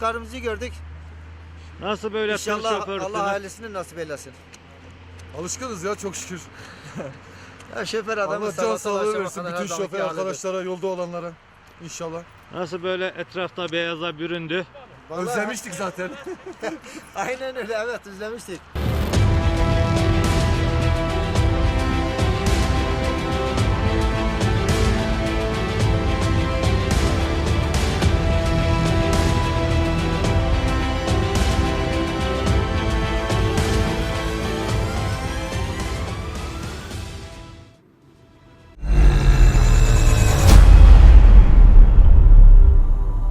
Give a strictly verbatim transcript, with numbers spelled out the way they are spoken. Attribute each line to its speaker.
Speaker 1: çocuklarımızı gördük.
Speaker 2: Nasıl böyle tır
Speaker 1: İnşallah
Speaker 2: şoförsünüz?
Speaker 1: Allah ailesini nasip eylesin.
Speaker 3: Alışkınız ya çok şükür.
Speaker 1: Ya şoför adamı
Speaker 3: Allah can
Speaker 1: sabahtan
Speaker 3: sağlığı
Speaker 1: akşama
Speaker 3: versin
Speaker 1: kadar
Speaker 3: bütün
Speaker 1: her zamanki
Speaker 3: şoför
Speaker 1: halidir.
Speaker 3: arkadaşlara, yolda olanlara. İnşallah.
Speaker 2: Nasıl böyle etrafta beyaza büründü?
Speaker 1: Vallahi-
Speaker 3: Özlemiştik zaten.
Speaker 1: Aynen öyle, evet, özlemiştik.